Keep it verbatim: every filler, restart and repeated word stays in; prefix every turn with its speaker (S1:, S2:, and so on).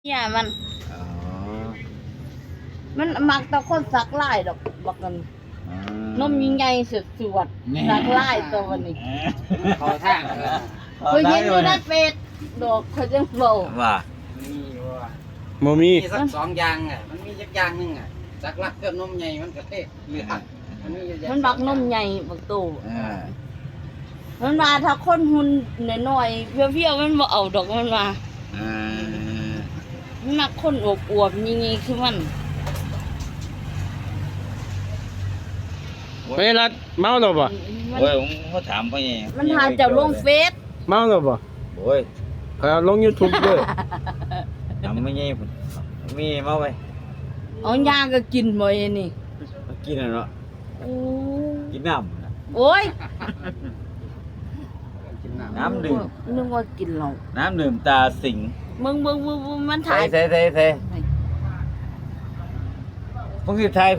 S1: เนี่ยมัน
S2: อ๋อ
S1: มันมักแตะคนสักลายดอกบักกัน
S2: อ๋
S1: นมยิ่งใหญ่สุดสวดสักลายตัวนี้
S3: เขาทางเออ
S1: เคยเห็นอยู่ในเฟซดอกเขาจังบอก
S2: ว่า
S3: มีว่า
S4: บ่มี
S3: มีสักสองอย่างอ่ะมันมีสักอย่างหนึงอ่ะสักลักเกือบนมใหญ่มันก็เทศเหลือมันมีอยู่อย่าง
S1: มันบักนมใหญ่บักโต
S2: อ่า
S1: มันมาถ้าคนหุ่นน้อยๆเพี้ยวๆมันบ่เอาดอกมันมา
S2: อ่า
S1: มันมักคนอวบๆยิ่งๆคือมัน
S4: เฮ้ยรัดเมาแล้วบ่
S1: มัน
S2: โอ้ยผมเขาถามพ่อไง
S1: มันหาเจ้าลงเฟซ
S4: เมาแล้วบ่
S2: โอ้ย
S4: เขาเอาลง YouTube ด้วย
S2: ทำไม่ไงพุ่นมีมาไว้
S1: เอายาก็กินบ่ไอ้นี่
S2: มากินน่ะเนาะ
S1: โอ้
S2: กินน้ำน่ะ
S1: โอ้ย
S3: กินน้ำ
S2: น้ำดื่ม
S1: นึกว่ากินเหล้า
S2: น้ำดื่มตาสิง
S1: มึงมึงมึงมึงมัน
S2: ใส่
S1: ถ่าย
S2: ใส่ใส่ใส่พวกที่ทาย